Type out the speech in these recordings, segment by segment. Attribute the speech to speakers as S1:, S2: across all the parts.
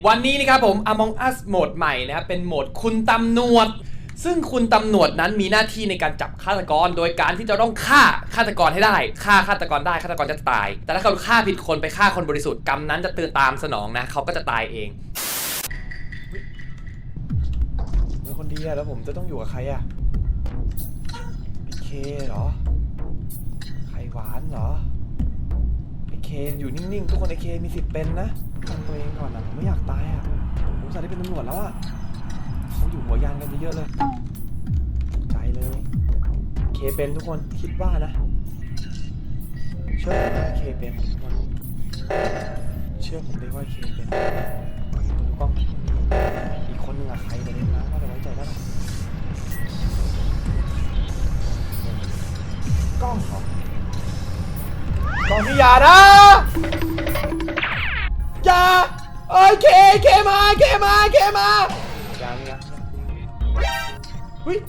S1: วันนี้นะครับผม Among Us โหมดใหม่นะครับเป็นโหมดคุณตำรวจซึ่งคุณตำรวจนั้นมีหน้าที่ในการจับฆาตกรโดยการที่จะต้องฆ่าฆาตกรให้ได้ฆ่าฆาตกรได้ฆาตกรจะตายแต่ถ้าเขาฆ่าผิดคนไปฆ่าคนบริสุทธิ์กรรมนั้นจะตื่นตามสนองนะเขาก็จะตายเองเป็นคนดีอะแล้วผมจะต้องอยู่กับใครอะพี่เคเหรอไข่หวานเหรอไอเคอยู่นิ่งๆทุกคนไอเคมีสิทธิ์เป็นนะทำตัวเองก่อนนะผมไม่อยากตายอะผมจะได้เป็นตำรวจแล้วอะเขาอยู่หัวยานกันเยอะๆเลยใจเลยเคเป็นทุกคนคิดว่านะเชื่อเคเป็นทุกคนเชื่อผมได้ว่าเคเป็นดูกล้องอีกคนนึงอะใครไปเลยนะว่าจะไว้ใจได้ไหมกล้องเหรอกล้องที่อย่านะอย่าเอ้ยเคมายังเฮ้ย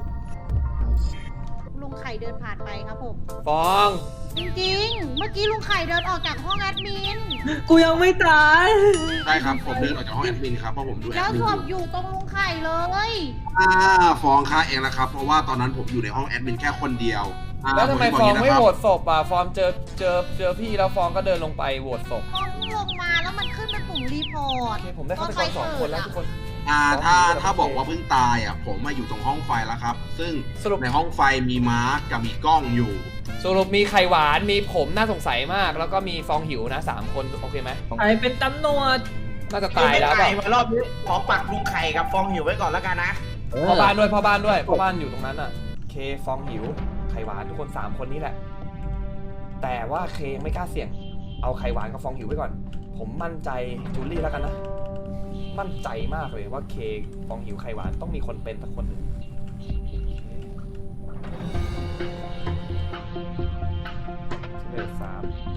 S2: ลุงไข่เดินผ่านไปครับผม
S1: ฟอง
S2: จริงๆ เมื่อกี้ลุงไข่เดินออกจากห้องแอดมิน
S3: กูยังไม่ตาย
S4: ใช่ครับผมเดินออกจากห้องแอดมินครับเพราะผมดูแอ
S2: แล้
S4: ด
S2: ว
S4: มิน
S2: ศพอยู่ตรงลุงไข่เลย
S4: ฟ้องค่าเองนะครับเพราะว่าตอนนั้นผมอยู่ในห้องแอดมินแค่คนเดียว
S1: แล้วทำไม
S4: ผ
S1: ฟอง
S4: จะบก
S1: ไม่
S4: ย่า
S1: โหว
S4: นี้นะค
S1: ตศพอ่ะฟองเจอพี่แล้วฟองก็เดินลงไปโหวตศพ
S2: ฟองเพิ่งลงมาแล้วมันขึ้นเป็นปุ่มรีพอร์ต
S1: โอเคผมได้ฆาตกร2 คนแล้วทุกคน
S4: ถ้าบอกว่าเพิ่งตายอ่ะผมมาอยู่ตรงห้องไฟแล้วครับซึ่ง
S1: สรุป
S4: ในห้องไฟมีมาร์กกับมีกล้องอยู่
S1: สรุปมีไข่หวานมีผมน่าสงสัยมาก แล้วก็มีฟองหิวนะ3 คนโอเคไหม
S3: ใครเป็นตำรวจ
S1: น่าจะตายแล้วเปล่า
S5: รอบนี้ขอปักลุงไข่กับฟองหิวไว้ก่อนแล้วกันนะ
S1: พ่อบ้านด้วยพ่อบ้านอยู่ตรงนั้นอ่ะเคฟองหิวไข่หวานทุกคน3 คนนี้แหละแต่ว่าเคยังไม่กล้าเสี่ยงเอาไข่หวานกับฟองหิวไว้ก่อนผมมั่นใจจูลี่แล้วกันนะมั่นใจมากเลยว่าเคฟองหิวไข่หวานต้องมีคนเป็นสักคนหนึ่งเลข3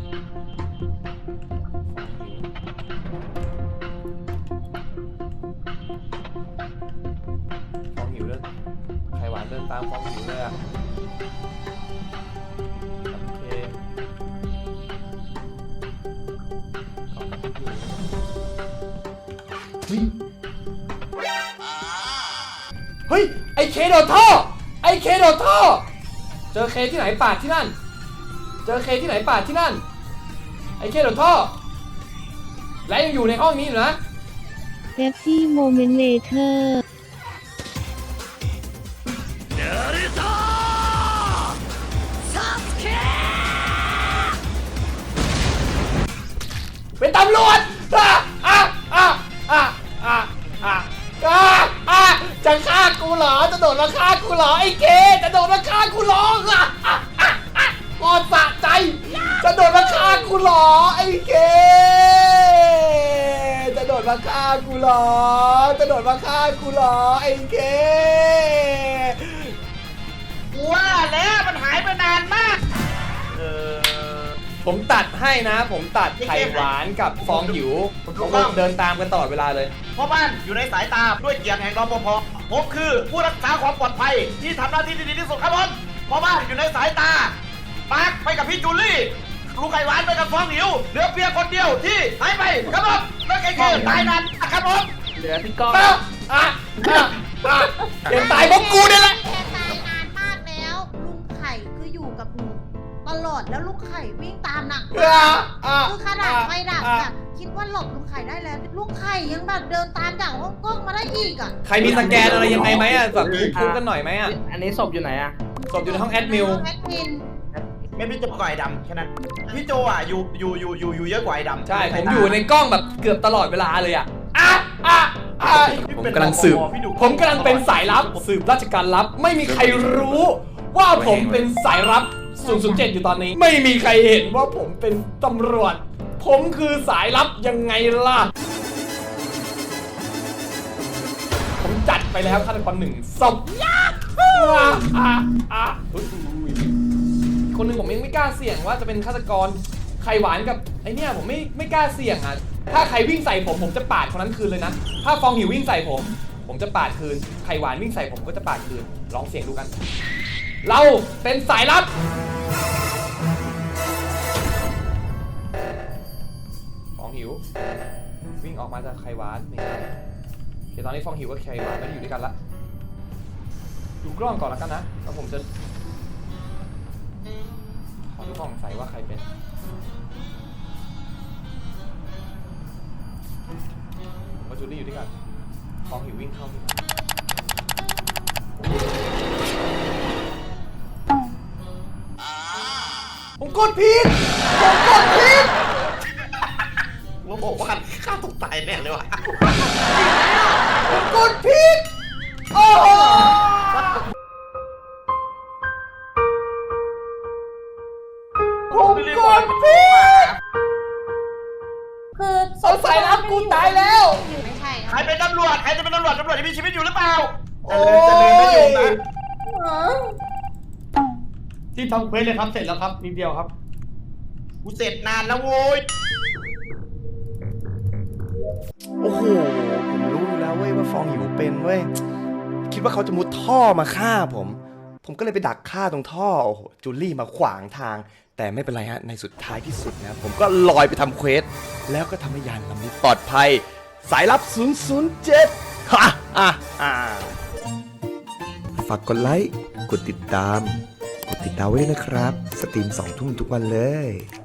S1: ฟองหิวเดินไข่หวานเดินตามฟองหิวเลยอ่ะโอเคเฮ้ยไอเคโดดท่อไอเคโดดท่อเจอเคที่ไหนปาดที่นั่นเจอเคที่ไหนปาดที่นั่นไอเคโดดท่อและยังอยู่ในห้องนี้อยู่นะ
S6: เ e ปซี่โมเมนต์เลเทอร์
S1: เป็นตำรวจจะฆ่ากูเหรอจะโดดมาฆ่ากูเหรอไอ้เคจะโดดมาฆ่ากูเหรอปอดสะใจจะโดดมาฆ่ากูเหรอไอ้เคจะโดดมาฆ่ากูเหรอจะโดดมาฆ่ากูเหรอไอ้เค
S5: ว่าแล้วมันหายไปนานมาก
S1: ผมตัดให้นะผมตัดไข่หวานกับฟองหิวผมเดินตามกันตลอดเวลาเลย
S5: พ่อบ้านอยู่ในสายตาด้วยเกียรติแห่งรปภผมคือผู้รักษาความปลอดภัยที่ทำหน้าที่ที่ดีที่สุดครับผมพ่อบ้านอยู่ในสายตาปาร์คไปกับพี่จูลี่ลุงไข่หวานไปกับฟองหิวเหลือเพียงคนเดียวที่หายไปครับผมแล้วไอ้คือตายนานครับผม
S3: เหลือพี่ก้อง
S1: เดี๋ยวตายเพราะกูเนี่ยแหละ
S2: แค่ตายนานมากแล้ว ลุงไข่คืออยู่กับหนูตลอดแล้วลุงไข่วิ่งตามหนักมากคือขนาดไฟดับแบบคิดว่าหลบลุงไข่ได้แล้วลุงไข่ยังแบบเดินตามจากห้องกล้องมาได้อีกอ่ะ
S1: ใครมีสแกนอะไรยังไงไหมอ่ะแบบพูดกันหน่อยไหมอ่ะ
S3: อันนี้ศพอยู่ไหนอะ
S1: ศพอยู่ในห้องแอดมิว
S2: แอดมิน
S5: ไม่พี่โจกับไอ้ดำแค่นั้นพี่โจอ่ะอยู่เยอะกว่าไอ้ดำ
S1: ใช่ผมอยู่ในกล้องแบบเกือบตลอดเวลาเลยอ่ะผมกำลังสืบผมกำลังเป็นสายลับสืบราชการลับไม่มีใครรู้ว่าผมเป็นสายลับ007อยู่ตอนนี้ไม่มีใครเห็นว่าผมเป็นตำรวจผมคือสายลับยังไงล่ะผมจัดไปแล้วฆาตกร1 ศพคนหนึ่งผมยังไม่กล้าเสี่ยงว่าจะเป็นฆาตกรไข่หวานกับไอเนี่ยผมไม่กล้าเสี่ยงอ่ะถ้าใครวิ่งใส่ผมจะปาดคนนั้นคืนเลยนะถ้าฟองหิววิ่งใส่ผมจะปาดคืนไข่หวานวิ่งใส่ผมก็จะปาดคืนลองเสี่ยงดูกันเราเป็นสายลับฟองหิววิ่งออกมาจากไข่หวานนี่โอเคตอนนี้ฟองหิวกับไข่หวานไม่ได้อยู่ด้วยกันละดูกล้องก่อนแล้วกันนะแล้วผมจะขอดูกล้องใส่ว่าใครเป็นผมกับจูลี่อยู่ด้วยกันฟองหิววิ่งเข้าที่ผมกดผิด
S5: ผมบอกว่าฆ่าตัวตายแน่เลยว่ะ
S1: ผมกดผิดโอ้โหผมกดผิด
S2: คือ
S1: เอาสายลับกูตายแล้ว
S2: ไม่ใช่
S5: ใครเป็นตำรวจใครจะเป็นตำรวจที่มีชีวิตอยู่หรือเปล่า
S1: โอ้ย
S3: ที่ทำเควสเลยครับเสร็จแล้วครับนิดเดียวครับ
S5: กูเสร็จนานแล้วโว้ย
S1: โอ้โหผมรู้อยู่แล้วเว้ยว่าฟองหิวเป็นเว้ยคิดว่าเขาจะมุดท่อมาฆ่าผมก็เลยไปดักฆ่าตรงท่อโอ้โหจูลี่มาขวางทาง แต่ไม่เป็นไรฮะในสุดท้ายที่สุดนะผมก็ลอยไปทำเควสแล้วก็ทำให้ยานลำนี้ปลอดภัยสายลับ 007ฝากกดไลค์กดติดตามไว้ด้วยนะครับสตรีม2 ทุ่มทุกวันเลย